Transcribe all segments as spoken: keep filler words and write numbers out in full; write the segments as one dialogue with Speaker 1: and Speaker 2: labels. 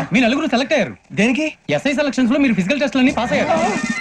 Speaker 1: మీ నలుగురు సెలెక్ట్ అయ్యారు.
Speaker 2: దేనికి?
Speaker 1: ఎస్ఐ సెలక్షన్స్ లో మీరు ఫిజికల్ టెస్ట్లన్నీ పాస్ అయ్యారు.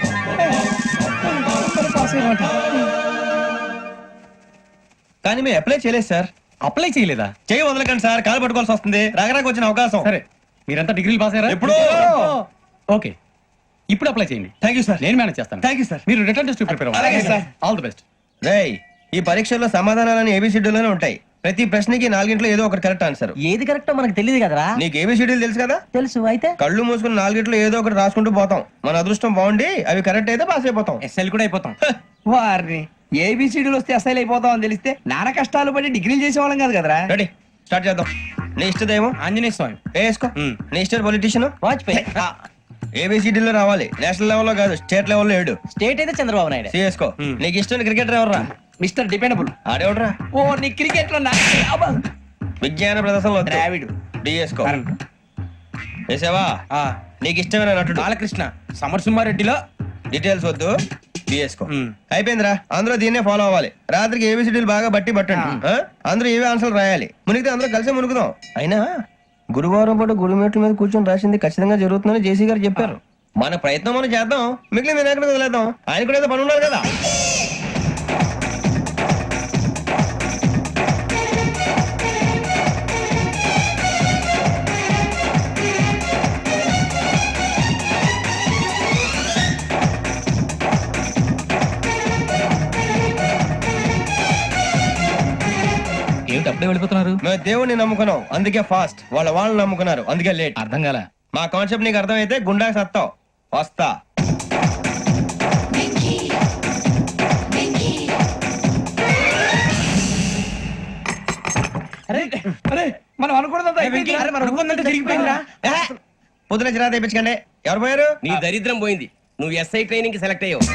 Speaker 2: కానీ మేము అప్లై చేయలేదు సార్.
Speaker 1: అప్లై చేయలేదా?
Speaker 2: చేయి వదలకండి సార్, కాలు పట్టుకోవాల్సి వస్తుంది. రాగరాకు వచ్చిన అవకాశం.
Speaker 1: సరే, మీరంతా డిగ్రీలు పాస్ అయ్యారా?
Speaker 2: ఎప్పుడు?
Speaker 1: ఓకే, ఇప్పుడు అప్లై చేయండి.
Speaker 2: Thank you sir.
Speaker 1: నేను మేనేజ్ చేస్తాను.
Speaker 2: Thank you sir.
Speaker 1: మీరు రిటర్న్ టెస్ట్ ప్రిపేర్
Speaker 2: అలాగే సార్.
Speaker 1: All the best.
Speaker 2: రేయ్, ఈ పరీక్షల్లో సమాధానాలని ఏబిసిడ్యూల్లోనే ఉంటాయి. ప్రతి ప్రశ్నకి నాలుగింట్లో ఏదో ఒకటి కరెక్ట్ ఆన్సర్.
Speaker 3: ఏది కరెక్టో మనకు తెలియదు కదరా.
Speaker 2: నీకు ఏబిసిడ్యూల్ తెలుసు కదా?
Speaker 3: తెలుసు. అయితే
Speaker 2: కళ్ళు మూసుకుని నాలుగింట్లో ఏదో ఒకటి రాసుకుంటూ పోతాం. మన అదృష్టం బాగుండి అవి కరెక్ట్ అయితే పాస్ అయిపోతాం.
Speaker 4: ఎస్ఎల్ కూడా అయిపోతాం. వారిని ఏబిసిడీలు వస్తే ఎస్ఐలు అయిపోతాం అని తెలిస్తే నాన్న కష్టాలు పడి డిగ్రీలు చేసేవాళ్ళం కాదు కదరా.
Speaker 2: రెడీ, స్టార్ట్ చేద్దాం. నీ ఇష్టదేమో
Speaker 4: ఆంజనేయ స్వామి.
Speaker 2: వేసుకో. నీ ఇష్ట పొలిటీషియన్
Speaker 3: వాజ్పేయి.
Speaker 2: ఏబిసిడీలో రావాలి, నేషనల్ లెవెల్లో కాదు, స్టేట్ లెవెల్లో ఏడు.
Speaker 3: స్టేట్ అయితే చంద్రబాబు నాయుడు.
Speaker 2: సిఎస్కో. నీకు ఇష్టం క్రికెటర్ ఎవర్రా?
Speaker 4: Mister dependable.
Speaker 2: ఆడేవడరా?
Speaker 4: ఓ నీ క్రికెట్ లో
Speaker 2: విజ్ఞాన ప్రదర్శనలో
Speaker 4: ద్రావిడు.
Speaker 2: డిఎస్కో. వేసావా? నీకు ఇష్టమైన నటుడు?
Speaker 4: బాలకృష్ణ. సమర్సింహారెడ్డిలో
Speaker 2: డీటెయిల్స్ వద్దు, బిఎస్కో. అయిపోయిందిరా, అందరూ దీన్నే ఫాలో అవ్వాలి. రాత్రికి ఏబిసిడీలు బాగా బట్టి పట్టండి. ఆ? అందరూ ఏవే ఆన్సర్లు రాయాలి. మునిగితే అందరూ కలిసి మునుగుదాం. అయినా గురువారం పాటు గురుమేట్ల మీద కూర్చొని రాసింది ఖచ్చితంగా జరుగుతుందని జేసీ గారు చెప్పారు. మన ప్రయత్నం మనం చేద్దాం, మిగిలిన నేను ఎక్కడ వదిలేద్దాం. ఆయన కూడా ఏదో పని ఉన్నారు కదా.
Speaker 1: ఏమిటి అప్పుడే వెళ్ళిపోతున్నారు?
Speaker 2: మేము దేవుడిని నమ్ముకున్నాం, అందుకే ఫాస్ట్. వాళ్ళ వాళ్ళని నమ్ముకున్నారు, అందుకే లేట్.
Speaker 1: అర్థం కాల.
Speaker 2: మా కాన్సెప్ట్ నీకు అర్థమైతే గుండా సత్తావు. వస్తా.
Speaker 4: మనం అనుకున్నదంతా జరిగిపోయిందిరా.
Speaker 2: పొద్దున చిరా తెప్పించకండి. ఎవరు పోయారు?
Speaker 5: నీ దరిద్రం పోయింది. నువ్వు ఎస్ఐ ట్రైనింగ్ కి సెలెక్ట్ అయ్యావు.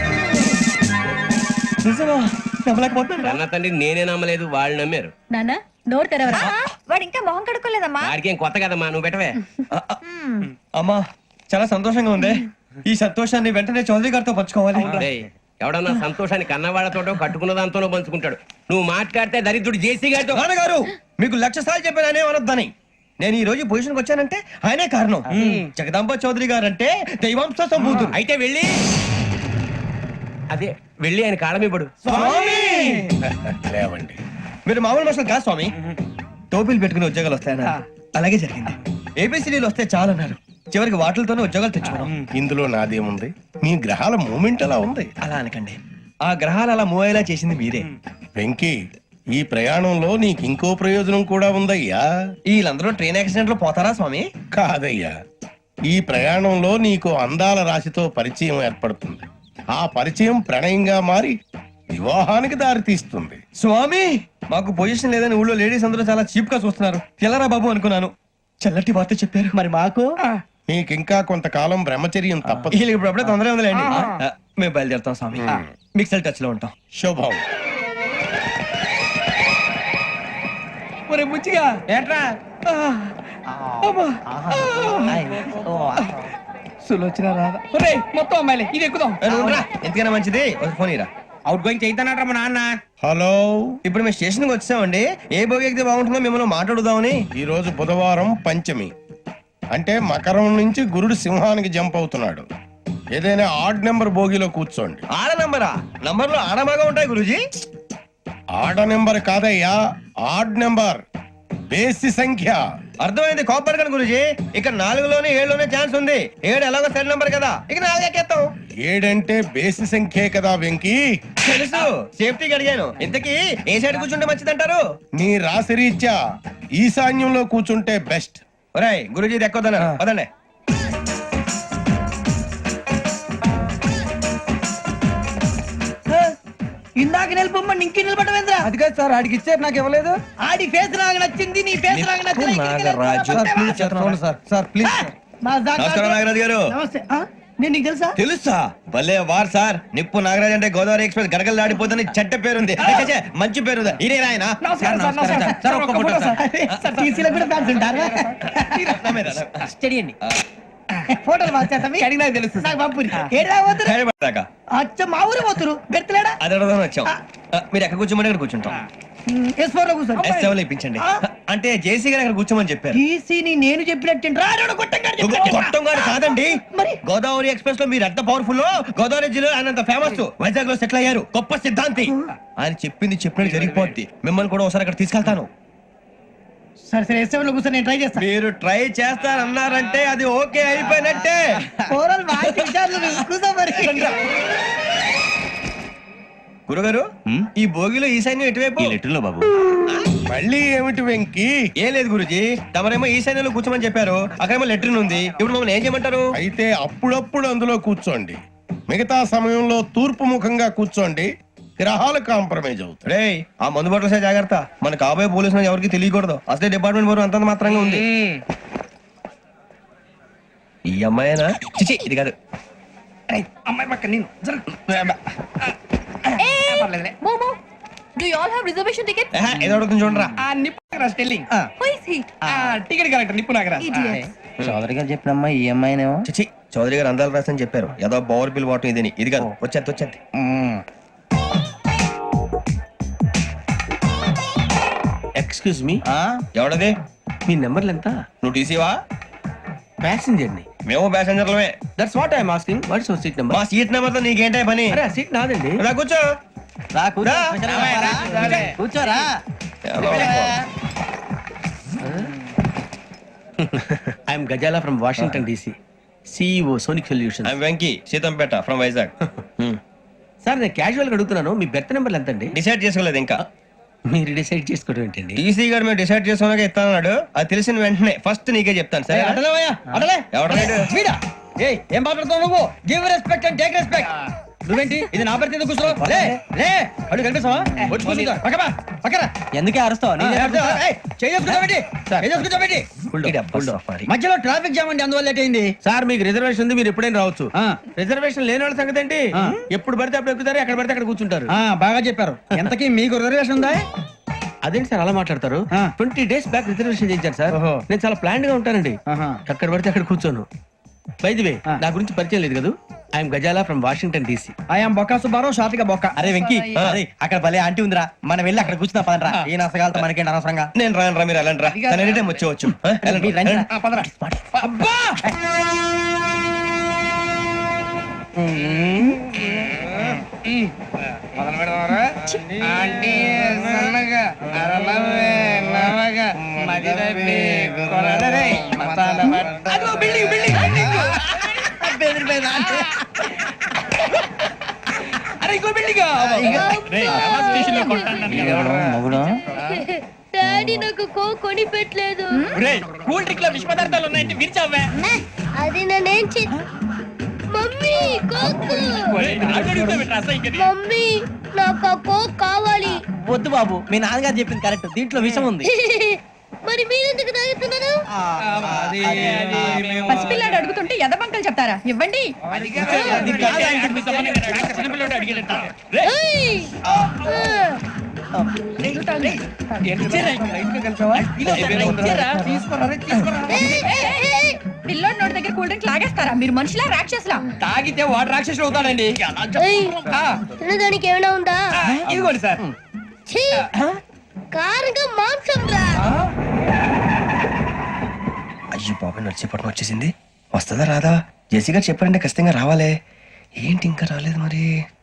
Speaker 5: అన్న తండ్రి నేనే నమ్మలేదు, వాళ్ళు నమ్మారు.
Speaker 6: నానా నోరు తెరవరా. వాడు ఇంకా మొహం కడుక్కోలేదమ్మా.
Speaker 5: వాడికి ఏం కొత్త కదమ్మా, నువ్వు పెట్టవే.
Speaker 2: అమ్మా, చాలా సంతోషంగా ఉంది. ఈ సంతోషాన్ని వెంటనే చౌదరి గారితో పంచుకోవాలి.
Speaker 5: డేయ్, ఎవడన్నా సంతోషాన్ని కన్నవాళ్లతోటో కట్టుకున్న దాంతోనో పంచుకుంటాడు. నువ్వు మాట్లాడితే దరిద్రుడు జేసీ గారితో.
Speaker 2: నాన్నగారు, మీకు లక్ష సార్లు చెప్పాను ఆయనే అనొద్దని. నేను ఈ రోజు పొజిషన్కి వచ్చానంటే ఆయనే కారణం. జగదాంబ చౌదరి గారు అంటే దైవాంశ సంభూతుడు.
Speaker 5: అయితే వెళ్ళి అదే వెళ్ళి ఆయన కాళ్ళమివ్వడు.
Speaker 2: లేవండి, మీరు మామూలు మనుషులు కాదు స్వామి. టోపీలు పెట్టుకుని ఉద్యోగాలు వస్తాయన్నారు, అలాగే జరిగింది. ఏబిసిడీలు వస్తే చాలన్నారు, చివరికి వాటిలతోనే ఉద్యోగాలు తెచ్చుకున్నాం.
Speaker 7: ఇందులో నాదేముంది? మీ గ్రహాల మూమెంట్ అలా ఉంది.
Speaker 2: అలా అనకండి, ఆ గ్రహాలు అలా మూవ్ అయ్యేలా చేసింది మీరే.
Speaker 7: వెంకీ, ఈ ప్రయాణంలో నీకు ఇంకో ప్రయోజనం కూడా ఉందయ్యా.
Speaker 2: వీళ్ళందరూ ట్రైన్ యాక్సిడెంట్ లో పోతారా స్వామి?
Speaker 7: కాదయ్యా, ఈ ప్రయాణంలో నీకు అందాల రాశితో పరిచయం ఏర్పడుతుంది. ఆ పరిచయం ప్రణయంగా మారి వివాహానికి దారి తీస్తుంది.
Speaker 2: స్వామి, మాకు పొజిషన్ లేదని ఊళ్ళో లేడీస్ అందరూ చాలా చీప్ గా చూస్తున్నారు. తెల్లరా బాబు అనుకున్నాను, చల్లటి వార్త చెప్పారు.
Speaker 3: మరి మాకు
Speaker 7: నీకింకా కొంతకాలం బ్రహ్మచర్యం తప్పదు.
Speaker 2: వీళ్ళకి ఇప్పుడు అప్పుడే తొందరగా ఉందిలేండి. ఆ, మేము బయలుదేరుతాం స్వామి. మిక్సెల్ టచ్ లో ఉంటాం.
Speaker 7: శుభం.
Speaker 4: ఒరే బుచ్చిగా
Speaker 5: ఏంట్రా
Speaker 4: సులోచన రాదా? ఒరే మొత్తం అమ్మాయిలే, ఇది ఎక్కుదాం.
Speaker 2: ఏ, నువ్వు రా. ఎందుకైనా మంచిది ఒక ఫోన్ ఇరా.
Speaker 5: అవుట్ గోయింగ్ చేద్దానట్రా మా నాన్న.
Speaker 7: హలో,
Speaker 2: ఇప్పుడు మేము స్టేషన్ కి వచ్చామండి. ఏ బోగి ఎక్కితే బాగుంటుందో మిమ్మల్ని మాట్లాడుదామని.
Speaker 7: ఈ రోజు బుధవారం పంచమి, అంటే మకరం నుంచి గురుడు సింహానికి జంప్ అవుతున్నాడు. ఏదైనా ఆడ్ నెంబర్ బోగిలో కూర్చోండి.
Speaker 2: ఆడ నంబరా? నంబర్లు ఆడ బాగా ఉంటాయి గురూజీ.
Speaker 7: ఆడ నెంబర్ కాదయ్యా, ఆడ్ నెంబర్, బేసి సంఖ్య.
Speaker 2: అర్థమైంది, కాపర్ కానీ గురూజీ. ఇక్కడ నాలుగులోనే ఏడులోనే ఛాన్స్ ఉంది. ఏడు ఎలాగో సెడ్ నంబర్ కదా, ఇక నాలుగు ఎక్కేస్తాం.
Speaker 7: ఏడంటే బేసి సంఖ్యే కదా వెంకీ.
Speaker 2: తెలుసు, సేఫ్టీకి అడిగాను. ఇంతకీ ఏ సైడ్ కూర్చుంటే మంచిదంటారు?
Speaker 7: నీ రాశి రీత్యా ఈశాన్యంలో కూర్చుంటే బెస్ట్.
Speaker 2: ఒరేయ్ గురూజీ దెక్కొద్దన్నారు, పదండి.
Speaker 3: ఇందాక నిలబొమ్మని ఇంకే నిలబడమేంద్రా?
Speaker 4: అది కాదు సార్, ఆడికి ఇచ్చారు, నాకు ఇవ్వలేదు.
Speaker 3: ఆడి ఫేస్ నాకు నచ్చింది, నీ ఫేస్ నాకు నచ్చింది.
Speaker 2: నాగరాజు.
Speaker 4: Sir please.
Speaker 2: నమస్కారం నాగరాజు గారు.
Speaker 3: నమస్తే. ఆ? నేను నీకు తెలుసా?
Speaker 2: తెలుసా? భలే వార్ సార్. నిప్పు నాగరాజ్ అంటే గోదావరి ఎక్స్ప్రెస్ గడగలు దాడిపోతుంది చెట్ట పేరుంది. ఛే, మంచి పేరు. ఇదే ఆయన.
Speaker 4: నమస్కారం సార్, నమస్కారం సార్. ఒక్క ఫోటో సార్.
Speaker 3: సార్ టీసీలో కూడా ఫ్యాన్స్ ఉంటారా? స్టడీ అండి. ఫోటోలు మార్చేస్తాం.
Speaker 4: అడిగి నాకు తెలుసు.
Speaker 3: నాకు పంపురి. ఏడా పోతురు? అచ్చ మా ఊరు పోతురు. బెర్తలేడా?
Speaker 2: అది అడగదామని వచ్చాం. ఆ, మీరు ఎక్కడ కూర్చోమని అక్కడ కూర్చుంటాం.
Speaker 3: ఎస్ ఫోర్ లో కూర్చోండి
Speaker 2: ఎస్ సెవెన్ ఇప్పించండి అంటే జేసీ గారు అక్కడ కూర్చోమని చెప్పారు.
Speaker 3: టీసీని నేను చెప్పినట్టు
Speaker 2: గొప్పం గారు కాదండి, గోదావరి ఎక్స్ప్రెస్ లో మీరు ఎంత పవర్ఫుల్, గోదావరి జిల్లా ఆయన అంత ఫేమస్, వైజాగ్ లో సెటిల్ అయ్యారు, గొప్ప సిద్ధాంతి. ఆయన చెప్పింది చెప్పినట్టు జరిగిపోద్ది. మిమ్మల్ని కూడా ఒకసారి అక్కడ తీసుకెళ్తాను.
Speaker 3: సరే సరే ఎస్ సెవెన్ లో కూర్చొని నేను ట్రై చేస్తాను.
Speaker 2: మీరు ట్రై చేస్తారన్నారంటే అది ఓకే అయిపోయినట్టే.
Speaker 3: ఓవరాల్ బాగా విచారాలు కూర్చో మరి.
Speaker 2: గురుగారు ఈ భోగిలో ఈశాన్యం ఎటువైపు?
Speaker 5: లెటర్లో బాబు
Speaker 7: మళ్ళీ ఏమిటి వెంకీ?
Speaker 2: ఏం లేదు గురుజీ, తమరేమో ఈశాన్యంలో కూర్చోమని చెప్పారు, అక్కడేమో లెటర్ ఉంది. ఇప్పుడు మమ్మల్ని ఏం చేయమంటారు?
Speaker 7: అయితే అప్పుడప్పుడు అందులో కూర్చోండి, మిగతా సమయంలో తూర్పు ముఖంగా కూర్చోండి. గ్రహాలు కాంప్రమైజ్ అవుతాయి.
Speaker 2: రే ఆ మందు బట్టలసే జాగ్రత్త, మన కాబోయే పోలీసులు ఎవరికి తెలియకూడదు. అసలే డిపార్ట్మెంట్ బోర్ అంతంత మాత్రంగా ఉంది. ఈ అమ్మాయినా? చిచి ఇది కాదు.
Speaker 4: అమ్మాయి పక్క నేను
Speaker 6: మోమో do you all have reservation ticket?
Speaker 2: ఏహే, ఏదో అడుగుతుంది చూడరా.
Speaker 4: ఆ Nippu Nagaraj telling
Speaker 6: who is he?
Speaker 4: Ticket collector Nippu Nagaraj.
Speaker 3: Chowdary గారు చెప్పినమ్మా ఈ అమ్మాయినేమో.
Speaker 2: చిచి చౌదరి గారు అందాలు రాసని చెప్పారు. ఏదో బోర్ బిల్ వాటం ఇదని. ఇది కాదు, వచ్చేది వచ్చేది.
Speaker 5: Excuse me,
Speaker 2: ఎవడది?
Speaker 5: మీ నెంబర్లు ఎంత?
Speaker 2: నువ్వు టీసీవా?
Speaker 5: ప్యాసింజర్ ని.
Speaker 2: మేము ప్యాసెంజర్లమే.
Speaker 5: That's what I'm asking. What's your seat number?
Speaker 2: మా సీట్ నెంబర్ తో నీకేంటే పని?
Speaker 5: అరే సీట్ నాదండి.
Speaker 2: రా కూర్చో.
Speaker 3: రా కూర్చో.
Speaker 2: రా.
Speaker 3: కూర్చోరా.
Speaker 5: I'm Gazala from Washington DC, CEO Sonic Solution.
Speaker 2: I'm Venky, Seethampeta from Vizag.
Speaker 5: Sir నేను క్యాజువల్ గా అడుగుతున్నాను, మీ బెర్త్ నెంబర్లు ఎంత అండి?
Speaker 2: డిసైడ్ చేసుకోలేదు ఇంకా.
Speaker 5: మీరు డిసైడ్ చేసుకోవడం ఏంటండి?
Speaker 2: టీసీ గారు మేము డిసైడ్ చేసుకున్నాక ఇస్తానన్నాడు. అది తెలిసిన వెంటనే ఫస్ట్ నీకే చెప్తాను. సరే
Speaker 3: అడలేవయ్యా అడలే.
Speaker 2: ఎవడలేడు?
Speaker 3: వీడా? ఏయ్ ఏం మాట్లాడుతావు నువ్వు? Give respect and take respect. నువ్వేంటి ఇది నా పరిస్థితి కూర్చో. లే లే అడుగు కనిపిస్తావా? వచ్చి కూర్చో. పక్కపా పక్కరా. ఎందుకే అరుస్తావు? మధ్యలో ట్రాఫిక్ జామ్ అండి, అందువల్ల లేట్ అయింది.
Speaker 5: సార్ మీకు రిజర్వేషన్ ఉంది, మీరు ఎప్పుడైనా రావచ్చు. రిజర్వేషన్ లేని వాళ్ళ సంగతి ఏంటి? ఎప్పుడు పడితే అప్పుడు ఎక్కుతారు, ఎక్కడ పడితే అక్కడ కూర్చుంటారు.
Speaker 3: ఆ, బాగా చెప్పారు. ఎంతకీ మీకు రిజర్వేషన్ ఉందా?
Speaker 5: అదేంటి సార్ అలా మాట్లాడతారు? ట్వంటీ డేస్ బ్యాక్ రిజర్వేషన్ చేయించారు సార్.
Speaker 3: ఓహో.
Speaker 5: నేను చాలా ప్లాన్డ్ గా ఉంటానండి.
Speaker 3: ఆహా.
Speaker 5: అక్కడ పడితే అక్కడ కూర్చోను. బై ది వే, నా గురించి పరిచయం లేదు కదా, I'm Gazala from Washington DC.
Speaker 3: I'm Bokka Subbarao, షార్ట్గా బొక్క. అరే వెంకీ, అరే అక్కడ భలే ఆంటీ ఉందిరా, మనం వెళ్ళి అక్కడ కూర్చున్నా పదరా. ఏ నసగాలతో మనకేంటి అనవసరంగా.
Speaker 2: నేను రాను రా, మీరు వెళ్ళండి రా. తను ఎనీ టైం వచ్చేవచ్చు. ఆ, వెళ్ళండి.
Speaker 3: మీరు రండి రా.
Speaker 4: ఆ, పదరా.
Speaker 3: అబ్బా!
Speaker 4: మొదలు పెడదామరా? ఆంటీ సన్నగా అరలవే నవగా మది తప్పి కొరడరే మతాల పట్ట. అదిగో బిల్డింగ్ బిల్డింగ్ బిల్డింగ్.
Speaker 3: బెదిరిపోయింది ఆంటీ.
Speaker 4: అరే ఇంకో బిల్డింగ్.
Speaker 6: డాడీ నాకు కో కొని పెట్టలేదు.
Speaker 4: కూల్ డ్రింక్ లో విష పదార్థాలు ఉన్నాయంటే విరిచావే.
Speaker 6: అది నేనేం చే మమ్మీ కోక్. మమ్మీ నాకు ఆ కోక్ కావాలి.
Speaker 3: వద్దు బాబు, మీ నాన్నగారు చెప్పింది కరెక్ట్, దీంట్లో విషయం ఉంది.
Speaker 6: మరి మీరెందుకు తాగుతున్నారు?
Speaker 8: పసిపిల్లాడు అడుగుతుంటే ఎదబంకలు చెప్తారా? ఇవ్వండి.
Speaker 6: ఏయ్! ఆ. ఏయ్, ఏయ్, ఏయ్!
Speaker 8: పిల్లోడి నోటి దగ్గర కూల్ డ్రింక్ లాగేస్తారా? మీరు మనుషులా రాక్షసులా?
Speaker 4: తాగితే వాడు రాక్షసుడు అవుతాడండి.
Speaker 6: ఏయ్! తినడానికి ఏమైనా ఉందా?
Speaker 4: ఇదిగోండి సార్.
Speaker 6: ఛీ! కారంగా మాంసం రా.
Speaker 2: అయ్యో బాబాయ్, నడిచేపట్నం వచ్చేసింది. వస్తుందా రాదా? జేసీ గారు చెప్పారంటే ఖచ్చితంగా రావాలే. ఏంటి ఇంకా రాలేదు మరి?